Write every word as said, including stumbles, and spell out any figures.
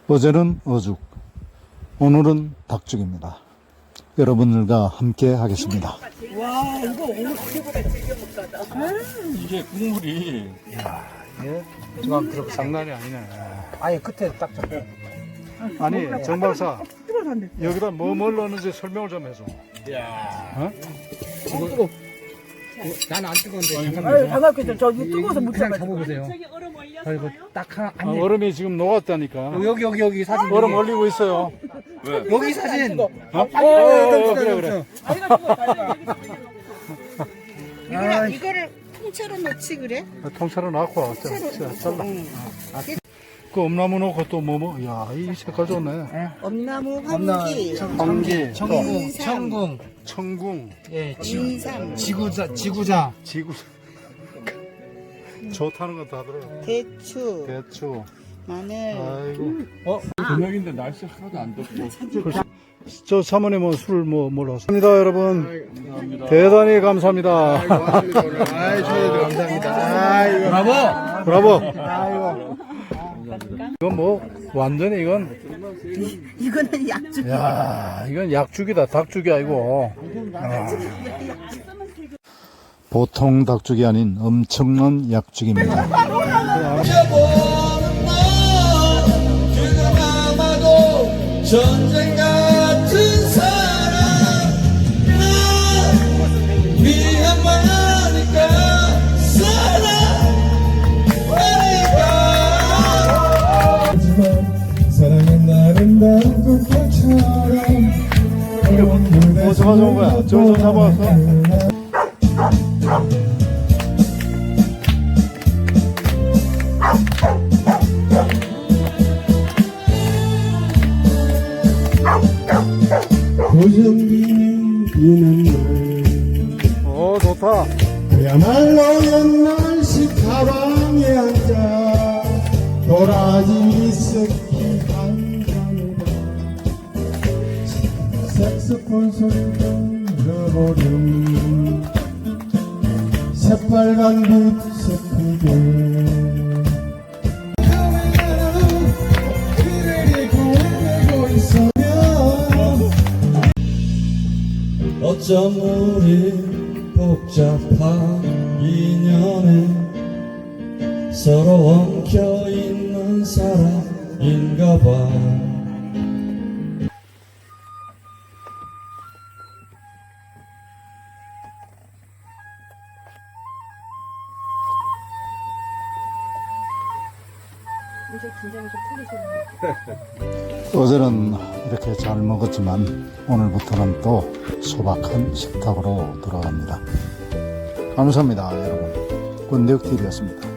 어제는 어죽, 오늘은 닭죽입니다. 여러분들과 함께 하겠습니다. 와, 이거 오늘 최고다. 이게 국물이 예? 지금 그렇게 장난이 아니네. 아예 끝에 딱 잡혀. 아니, 정 박사, 여기다 뭐 뭘 넣는지 설명을 좀 해줘. 야. 어? 뜨거. 난안 뜨거운데 아유, 잠깐만요. 반갑겠죠. 저 이거 뜨거워서 못 그냥 잡아요. 잡아보세요. 그리고 딱 하나 아, 안 돼. 얼음이 지금 녹았다니까. 여기 여기 여기 사진. 얼음 올리고 있어요. 왜? 여기 사진. 어? 어, 어, 어, 그래, 그래. 이거를, 이거를 통째로 넣지 그래? 통째로 놔고 자, 자, 잘라. 아, 그 엄나무 넣고 또 뭐 뭐? 야, 이 색깔 좋네. 엄나무, 황기, 황기, 청궁, 인삼. 청궁, 청궁, 예, 지, 인삼, 지구자, 지구자. 지구. 좋다는 거 다 들어. 대추, 대추. 마늘. 아이고. 어? 저녁인데 날씨 하나도 안 덥고. 저 사모님은 술 뭐 뭘로 하십니다, 여러분. 대단히 감사합니다. 아이, 저희도 감사합니다. 아이고. 브라보. 브라보. 아이고. 이건 뭐 완전히 이건 이거는 약주. 야, 이건 약죽이다. 닭죽이 아니고. 아. 보통 닭죽이 아닌 엄청난 약죽입니다. 전쟁 같은 사랑 나 미안하니까 사랑하니까 사랑은 아름다운 꽃처럼 뭐 잡아준 거야? 저거 좀 잡아왔어? 고정비는 비는 날 어, 좋다. 그야말로 옛날식 가방에 앉아 도라지 섞이 한잔해봐 색소폰 소리 들어보렴 새빨간 빛 그대를 고뇌고 있으면 어쩜 우리 복잡한 인연에 서로 엉켜있는 사람인가봐 어제는 이렇게 잘 먹었지만 오늘부터는 또 소박한 식탁으로 돌아갑니다. 감사합니다, 여러분. 권대혁티비였습니다.